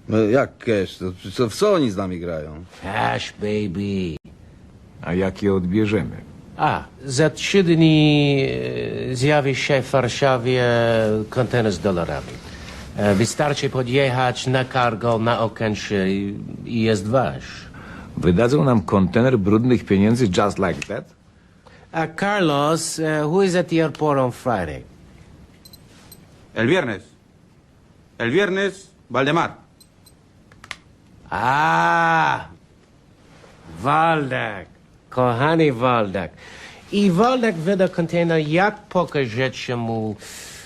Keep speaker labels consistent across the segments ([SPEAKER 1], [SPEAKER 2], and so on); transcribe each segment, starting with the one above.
[SPEAKER 1] No jak cash? W co oni z nami grają?
[SPEAKER 2] Cash, baby.
[SPEAKER 3] A jak je odbierzemy?
[SPEAKER 2] Za 3 dni zjawi się w Warszawie kontener z dolarami. Wystarczy podjechać na cargo na Okęcie i jest wasz.
[SPEAKER 3] Wydadzą nam kontener brudnych pieniędzy just like that?
[SPEAKER 2] Carlos, who is at the airport on Friday?
[SPEAKER 4] El viernes. El viernes, Valdemar.
[SPEAKER 2] Waldak. Kochany Waldak. I Waldak wyda kontener, jak pokażecie mu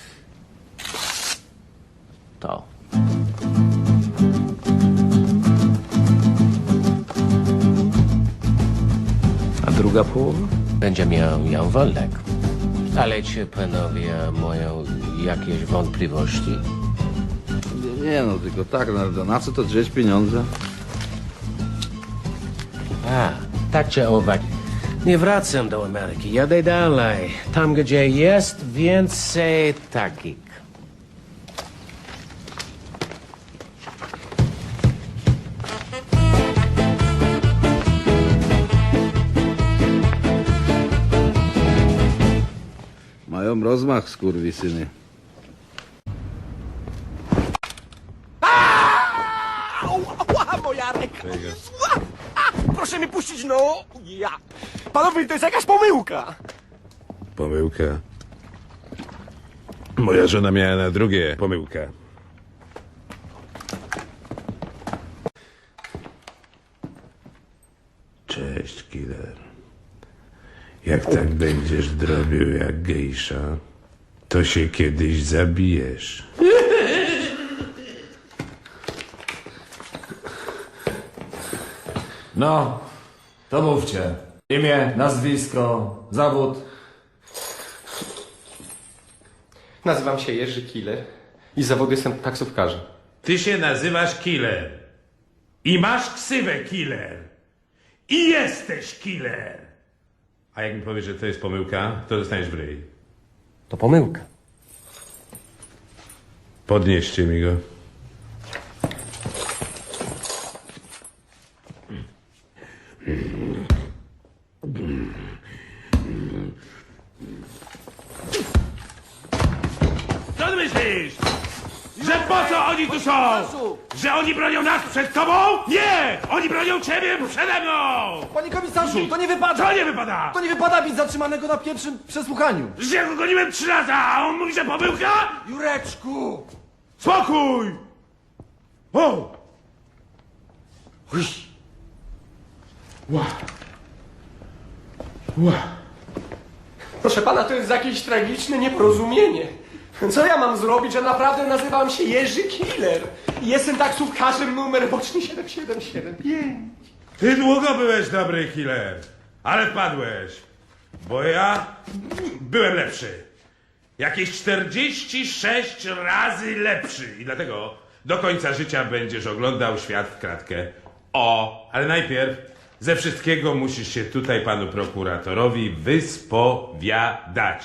[SPEAKER 2] to.
[SPEAKER 3] A druga połowa?
[SPEAKER 2] Będzie miał Jan Waldak. Ale czy panowie mają jakieś wątpliwości?
[SPEAKER 1] Nie no, tylko tak, na co to drzeć pieniądze?
[SPEAKER 2] Tak czy owak. Nie wracam do Ameryki, jadę dalej. Tam, gdzie jest więcej takich.
[SPEAKER 1] Mają rozmach, skurwysyny.
[SPEAKER 5] Ała, moja ręka! Proszę mnie puścić, no! Ja! Panowie, to jest jakaś pomyłka!
[SPEAKER 6] Pomyłka. Moja żona miała na drugie pomyłka. Cześć, killer. Jak tak będziesz drobił jak gejsza, to się kiedyś zabijesz.
[SPEAKER 7] No, to mówcie. Imię, nazwisko, zawód.
[SPEAKER 8] Nazywam się Jerzy Killer i z zawodu jestem taksówkarzem.
[SPEAKER 6] Ty się nazywasz Killer. I masz ksywę Killer. I jesteś Killer. A jak mi powiesz, że to jest pomyłka, to dostaniesz w ryj.
[SPEAKER 8] To pomyłka.
[SPEAKER 6] Podnieście mi go. Co ty myślisz? Że po co oni tu są? Że oni bronią nas przed tobą? Nie! Oni bronią ciebie przede mną!
[SPEAKER 5] Panie komisarzu, to nie wypada!
[SPEAKER 6] Co nie wypada?
[SPEAKER 5] To nie wypada być zatrzymanego na pierwszym przesłuchaniu!
[SPEAKER 6] Że ja go goniłem 3 lata, a on mówi, że pomyłka?
[SPEAKER 5] Jureczku!
[SPEAKER 6] Spokój! O!
[SPEAKER 8] Proszę pana, to jest jakieś tragiczne nieporozumienie. Co ja mam zrobić, że naprawdę nazywam się Jerzy Killer? I jestem taksówkarzem numer boczny 7775.
[SPEAKER 6] Ty długo byłeś dobry killer, ale wpadłeś, bo ja byłem lepszy. Jakieś 46 razy lepszy i dlatego do końca życia będziesz oglądał świat w kratkę. Ale najpierw ze wszystkiego musisz się tutaj panu prokuratorowi wyspowiadać.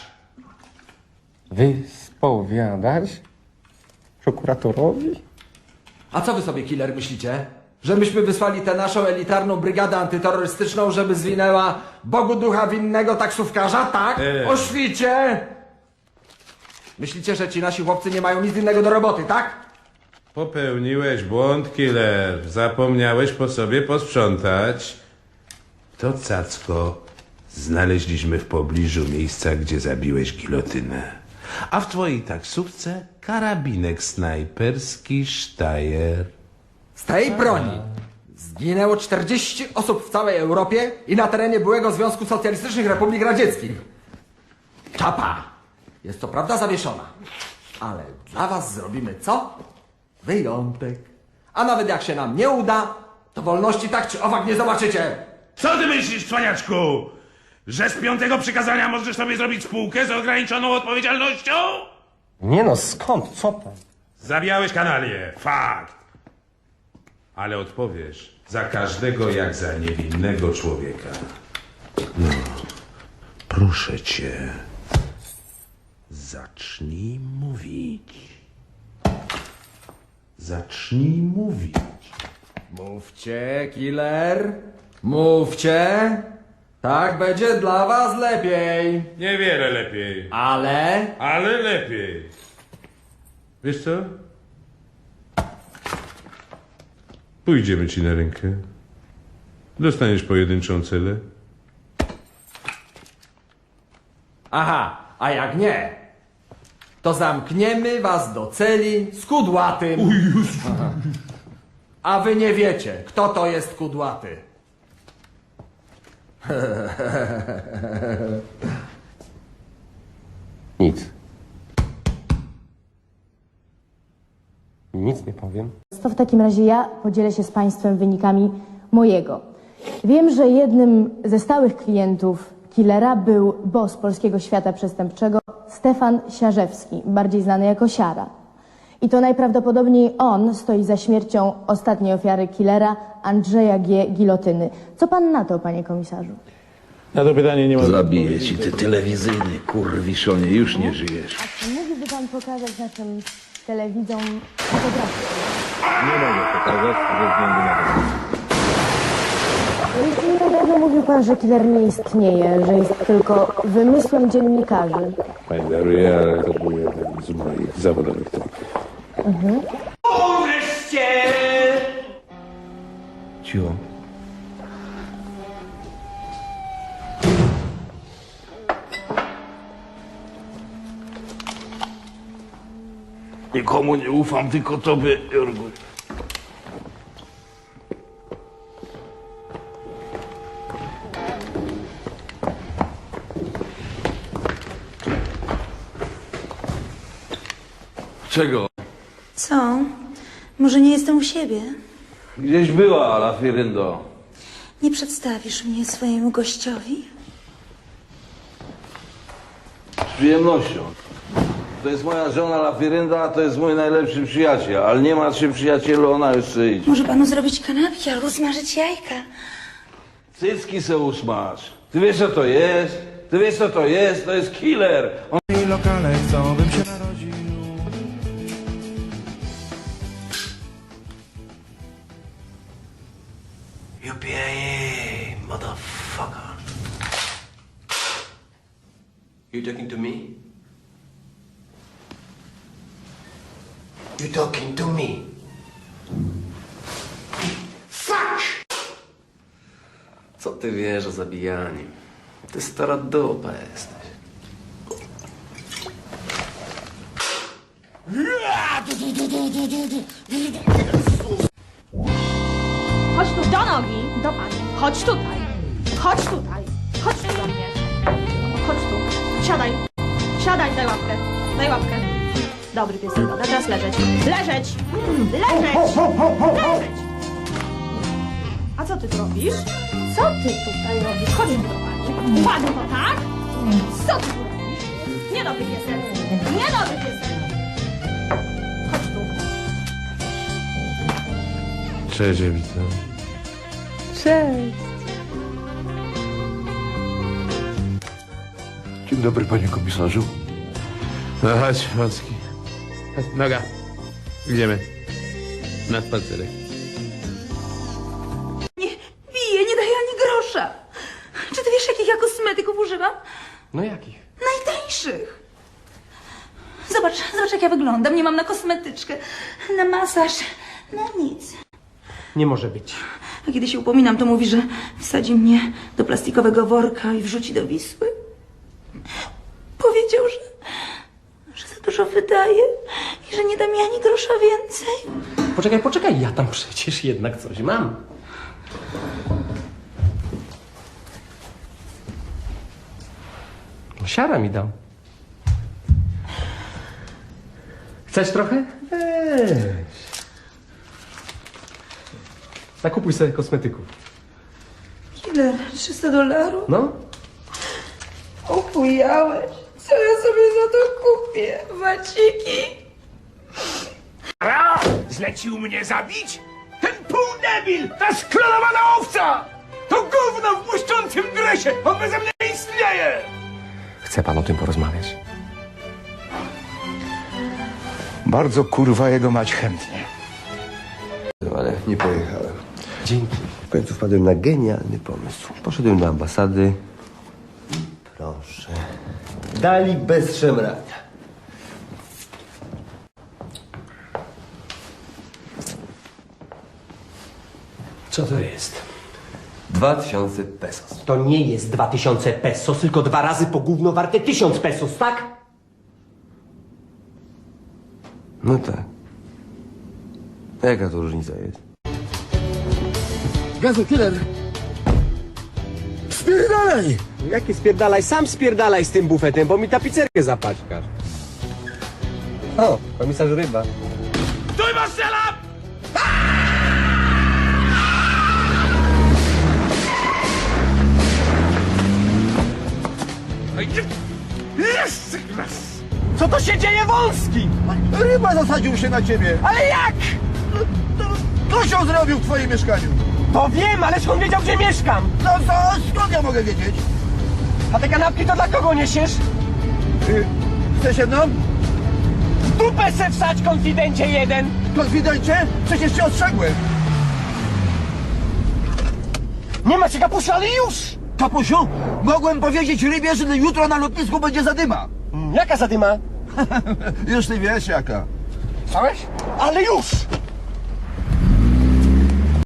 [SPEAKER 8] Wyspowiadać? Prokuratorowi?
[SPEAKER 5] A co wy sobie, killer, myślicie? Że myśmy wysłali tę naszą elitarną brygadę antyterrorystyczną, żeby zwinęła Bogu ducha winnego taksówkarza, tak? O świcie! Myślicie, że ci nasi chłopcy nie mają nic innego do roboty, tak?
[SPEAKER 6] Popełniłeś błąd, killer. Zapomniałeś po sobie posprzątać. To cacko znaleźliśmy w pobliżu miejsca, gdzie zabiłeś gilotynę. A w twojej taksówce karabinek snajperski Steyr.
[SPEAKER 5] Z tej broni zginęło 40 osób w całej Europie i na terenie byłego Związku Socjalistycznych Republik Radzieckich. Czapa jest co prawda zawieszona, ale dla was zrobimy co? Wyjątek. A nawet jak się nam nie uda, to wolności tak czy owak nie zobaczycie.
[SPEAKER 6] Co ty myślisz, cwaniaczku? Że z 5. przykazania możesz sobie zrobić spółkę z ograniczoną odpowiedzialnością?
[SPEAKER 8] Nie no, skąd? Co pan?
[SPEAKER 6] Zabijałeś kanalię, fakt. Ale odpowiesz za każdego jak za niewinnego człowieka. No, proszę cię, zacznij mówić. Zacznij mówić.
[SPEAKER 5] Mówcie, killer. Mówcie. Tak będzie dla was lepiej.
[SPEAKER 6] Niewiele lepiej.
[SPEAKER 5] Ale
[SPEAKER 6] lepiej. Wiesz co? Pójdziemy ci na rękę. Dostaniesz pojedynczą celę.
[SPEAKER 5] aha, a jak nie, to zamkniemy was do celi z kudłatym. Aha. A wy nie wiecie, kto to jest kudłaty.
[SPEAKER 8] Nic. Nic nie powiem.
[SPEAKER 9] To w takim razie ja podzielę się z Państwem wynikami mojego. Wiem, że jednym ze stałych klientów killera był boss polskiego świata przestępczego Stefan Siarzewski, bardziej znany jako Siara. I to najprawdopodobniej on stoi za śmiercią ostatniej ofiary killera Andrzeja G. Gilotyny. Co pan na to, panie komisarzu?
[SPEAKER 6] Na to pytanie nie ma...
[SPEAKER 1] Zabiję ci, ty telewizyjny kurwiszonie, już nie żyjesz.
[SPEAKER 9] A czy mógłby pan pokazać naszym telewidzom fotografię?
[SPEAKER 1] Nie mogę pokazać ze względu na to.
[SPEAKER 9] Niedawno mówił pan, że killer nie istnieje, że jest tylko wymysłem dziennikarzy.
[SPEAKER 6] Pani daruję, ale to był jeden z moich zawodowych trików.
[SPEAKER 8] Wreszcie!
[SPEAKER 1] Cicho. Nikomu nie ufam, tylko tobie, Jorgu. Czego?
[SPEAKER 10] Co? Może nie jestem u siebie?
[SPEAKER 1] Gdzieś była, Lafiryndo.
[SPEAKER 10] Nie przedstawisz mnie swojemu gościowi?
[SPEAKER 1] Z przyjemnością. To jest moja żona Lafirynda, a to jest mój najlepszy przyjaciel. Ale nie martw się, przyjacielu, ona jeszcze idzie.
[SPEAKER 10] Może panu zrobić kanapki albo smażyć jajka?
[SPEAKER 1] Cycki se usmaż. Ty wiesz, co to jest? Ty wiesz, co to jest? To jest killer. On...
[SPEAKER 11] lokale chcą, bym się narodził.
[SPEAKER 8] UPA, motherfucker. You talking to me? You talking to me? Fuck! Co ty wiesz o zabijaniu? Ty stara dupa jesteś.
[SPEAKER 12] Chodź tu do nogi, do pani. Chodź tutaj. Chodź tutaj. Chodź tu do mnie. Chodź tu. Siadaj. Siadaj, daj łapkę. Daj łapkę. Dobry piesek, dobra. Teraz leżeć. Leżeć! Leżeć! Leżeć! A co ty tu robisz? Co ty tutaj robisz? Chodź tu do pani. Uwaga, to tak? Co ty tu robisz? Niedobry piesek. Niedobry piesek. Chodź tu.
[SPEAKER 6] Cześć, Ewita.
[SPEAKER 12] Cześć.
[SPEAKER 1] Dzień dobry, panie komisarzu.
[SPEAKER 6] No chodź, Macki. Noga. Idziemy. Na spacerek.
[SPEAKER 10] Nie piję, nie daję ani grosza. Czy ty wiesz, jakich ja kosmetyków używam?
[SPEAKER 8] No jakich?
[SPEAKER 10] Najtańszych. Zobacz, jak ja wyglądam. Nie mam na kosmetyczkę, na masaż, na nic.
[SPEAKER 8] Nie może być.
[SPEAKER 10] A kiedy się upominam, to mówi, że wsadzi mnie do plastikowego worka i wrzuci do Wisły. Powiedział, że za dużo wydaje i że nie da mi ani grosza więcej.
[SPEAKER 8] Poczekaj, ja tam przecież jednak coś mam. Siara mi dał. Chcesz trochę? Weź. Zakupuj sobie kosmetyków.
[SPEAKER 10] Ile? $300?
[SPEAKER 8] No?
[SPEAKER 10] Opujałeś. Co ja sobie za to kupię? Waciki?
[SPEAKER 11] Zlecił mnie zabić? Ten półdebil, ta sklonowana owca! To gówno w błyszczącym dresie! On beze mnie nie istnieje!
[SPEAKER 8] Chce pan o tym porozmawiać?
[SPEAKER 11] Bardzo kurwa jego mać chętnie.
[SPEAKER 13] ale nie pojechałem.
[SPEAKER 8] Dzięki.
[SPEAKER 13] W końcu wpadłem na genialny pomysł. Poszedłem do ambasady. Proszę. Dali bez szemrania.
[SPEAKER 8] Co to jest?
[SPEAKER 13] 2000 pesos.
[SPEAKER 8] To nie jest 2000 pesos, tylko 2 razy po gówno warte 1000 pesos, tak?
[SPEAKER 13] No tak. A jaka to różnica jest?
[SPEAKER 11] Gazu, killer! Spierdalaj!
[SPEAKER 8] Jakie spierdalaj? Sam spierdalaj z tym bufetem, bo mi tapicerkę zapaćkasz. O, komisarz Ryba.
[SPEAKER 11] Stój, Marcela! Jeszcze raz!
[SPEAKER 8] Co to się dzieje, Wąski?
[SPEAKER 11] Ryba zasadził się na ciebie!
[SPEAKER 8] Ale jak?
[SPEAKER 11] Kosią zrobił w twoim mieszkaniu!
[SPEAKER 8] To wiem, ale skąd wiedział, gdzie mieszkam?
[SPEAKER 11] No to skąd ja mogę wiedzieć?
[SPEAKER 8] A te kanapki to dla kogo niesiesz?
[SPEAKER 11] Chcesz jedną?
[SPEAKER 8] Dupę se wsać, konfidencie jeden!
[SPEAKER 11] Konfidencie? Przecież cię ostrzegłem!
[SPEAKER 8] Nie macie kapuszy, ale już!
[SPEAKER 11] Kapusiu, mogłem powiedzieć rybie, że jutro na lotnisku będzie zadyma.
[SPEAKER 8] Jaka zadyma?
[SPEAKER 11] Już ty wiesz jaka.
[SPEAKER 8] Słyszałeś? Ale już!